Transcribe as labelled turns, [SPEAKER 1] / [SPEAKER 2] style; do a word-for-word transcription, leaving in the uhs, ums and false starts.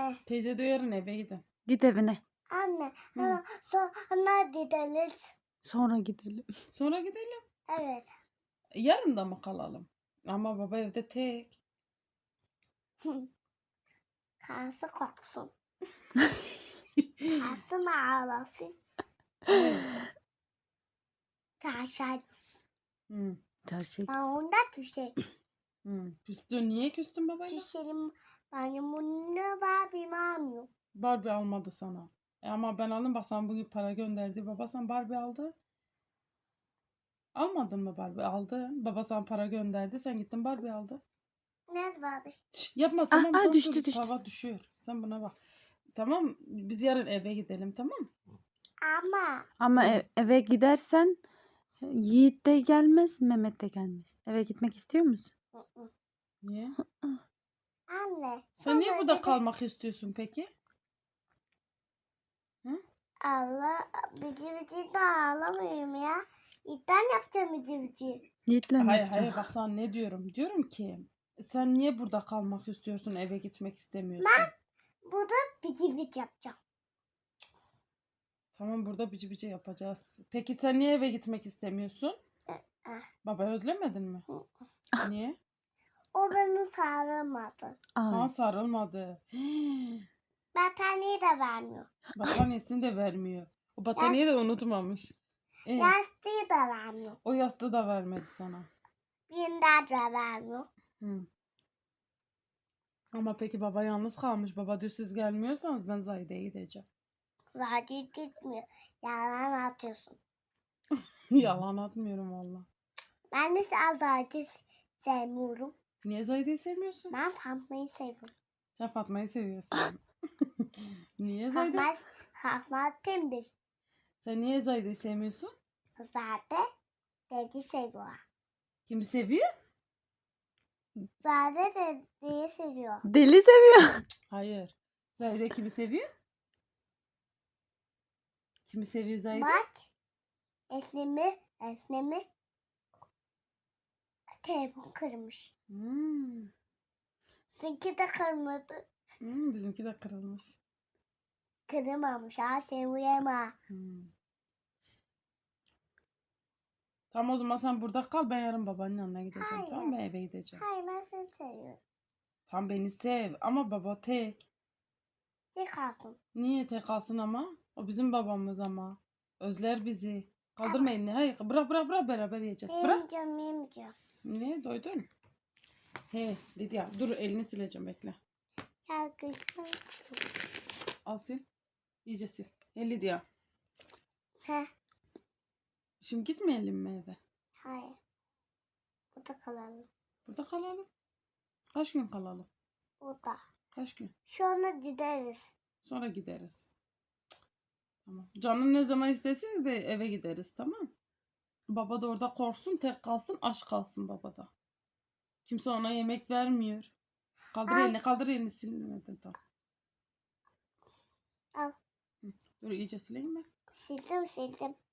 [SPEAKER 1] Anne.
[SPEAKER 2] Teyze de yarın eve gidin.
[SPEAKER 3] Git evine.
[SPEAKER 1] Anne.
[SPEAKER 2] Hı.
[SPEAKER 1] Sonra gideriz.
[SPEAKER 3] Sonra gidelim.
[SPEAKER 2] Sonra gidelim.
[SPEAKER 1] Evet.
[SPEAKER 2] Yarın da mı kalalım? Ama baba evde tek.
[SPEAKER 1] Karısı korksun. Karısı mı ağlasın?
[SPEAKER 2] Evet.
[SPEAKER 1] Karşı
[SPEAKER 2] Hı.
[SPEAKER 3] Çarşıya
[SPEAKER 1] Ben
[SPEAKER 3] gitsin.
[SPEAKER 1] onda düşerim.
[SPEAKER 2] Hı. Küstün. Niye küstün babayla?
[SPEAKER 1] Düşerim. Benim bunu Barbie'mi almıyor.
[SPEAKER 2] Barbie almadı sana. E ama ben aldım. Bak sana bugün para gönderdi. Baba sana Barbie aldı. Almadın mı Barbie? Aldın. Baba sana para gönderdi. Sen gittin Barbie aldı.
[SPEAKER 1] Nerede Barbie?
[SPEAKER 2] Şş, yapma tamam.
[SPEAKER 3] ah,
[SPEAKER 2] dur,
[SPEAKER 3] düştü,
[SPEAKER 2] dur.
[SPEAKER 3] düştü.
[SPEAKER 2] Tava düşüyor. Sen buna bak. Tamam. Biz yarın eve gidelim tamam.
[SPEAKER 1] Ama.
[SPEAKER 3] Ama
[SPEAKER 2] Hı.
[SPEAKER 3] ev- eve gidersen Yiğit de gelmez, Mehmet de gelmez. Eve gitmek istiyor musun?
[SPEAKER 1] Hı hı.
[SPEAKER 2] Niye?
[SPEAKER 1] Anne.
[SPEAKER 2] Sen niye
[SPEAKER 1] sonra
[SPEAKER 2] burada
[SPEAKER 1] dedi-
[SPEAKER 2] kalmak istiyorsun peki?
[SPEAKER 1] Allah bici bici de ağlamıyorum ya. İlkten yapacağım bici bici.
[SPEAKER 3] Yiğit'le ne
[SPEAKER 2] Hayır
[SPEAKER 3] yapacaksın?
[SPEAKER 2] hayır bak sana ne diyorum. Diyorum ki sen niye burada kalmak istiyorsun, eve gitmek istemiyorsun?
[SPEAKER 1] Burada bici bici yapacağım.
[SPEAKER 2] Tamam burada bici bici yapacağız. Peki sen niye eve gitmek istemiyorsun?
[SPEAKER 1] eh.
[SPEAKER 2] Baba özlemedin mi? Niye?
[SPEAKER 1] O beni sarılmadı.
[SPEAKER 2] Sana
[SPEAKER 3] Ay,
[SPEAKER 2] sarılmadı.
[SPEAKER 1] Battaniye de vermiyor.
[SPEAKER 2] Battaniyesini de vermiyor. O battaniyeyi de unutmamış. E,
[SPEAKER 1] Yastığı da vermiyor.
[SPEAKER 2] o yastığı da vermedi sana.
[SPEAKER 1] Binden de vermiyor.
[SPEAKER 2] Hı. Ama peki baba yalnız kalmış. Baba diyor siz gelmiyorsanız ben Zahide'ye gideceğim.
[SPEAKER 1] Zaten gitmiyor. Yalan atıyorsun.
[SPEAKER 2] Yalan atmıyorum valla.
[SPEAKER 1] Ben de zaten sevmiyorum.
[SPEAKER 2] Niye Zahide'yi sevmiyorsun?
[SPEAKER 1] Ben Fatma'yı seviyorum.
[SPEAKER 2] Sen Fatma'yı seviyorsun. Niye Zahide?
[SPEAKER 1] Fatma, Fatma kimdir?
[SPEAKER 2] Sen niye Zahide'yi sevmiyorsun?
[SPEAKER 1] Zaten dedi seviyor.
[SPEAKER 2] Kimi seviyor?
[SPEAKER 1] Zaten dediği seviyor.
[SPEAKER 3] deli seviyor.
[SPEAKER 2] Hayır. Zahide kimi seviyor? Kimi seviyor Zahide?
[SPEAKER 1] Bak. Esnemi, esnemi. Telefon kırmış.
[SPEAKER 2] Hmm.
[SPEAKER 1] Sizinki de kırmadı.
[SPEAKER 2] Hmm, bizimki de kırılmış.
[SPEAKER 1] Kırmamış ha seviyorum.
[SPEAKER 2] Hmm. Tamam o zaman sen burada kal. Ben yarın babanın yanına gideceğim.
[SPEAKER 1] Hayır.
[SPEAKER 2] Tamam ben eve gideceğim.
[SPEAKER 1] Hayır ben seni seviyorum.
[SPEAKER 2] Tam beni sev. Ama baba tek.
[SPEAKER 1] Ne kalsın?
[SPEAKER 2] Niye tek kalsın ama? O bizim babamız ama. Özler bizi. Kaldırma elini. Hayır bırak bırak bırak beraber yiyeceğiz. Bırak.
[SPEAKER 1] Yemeyeceğim yemeyeceğim.
[SPEAKER 2] Ne doydun? He Lidya dur elini sileceğim bekle.
[SPEAKER 1] Ya kızım.
[SPEAKER 2] Al sil. İyice sil. He Lidya.
[SPEAKER 1] Heh.
[SPEAKER 2] Şimdi gitmeyelim mi eve?
[SPEAKER 1] Hayır. Burada kalalım.
[SPEAKER 2] Burada kalalım. Kaç gün kalalım?
[SPEAKER 1] Burada.
[SPEAKER 2] Kaç gün?
[SPEAKER 1] Şu anda gideriz.
[SPEAKER 2] Sonra gideriz. Tamam. Canın ne zaman isterse de eve gideriz tamam. Baba da orada korksun tek kalsın aç kalsın babada. Kimse ona yemek vermiyor. Kaldır
[SPEAKER 1] Ay.
[SPEAKER 2] elini kaldır elini silmedin tamam.
[SPEAKER 1] Al.
[SPEAKER 2] Hı. Dur iyice sileyim ben.
[SPEAKER 1] Sildim sildim.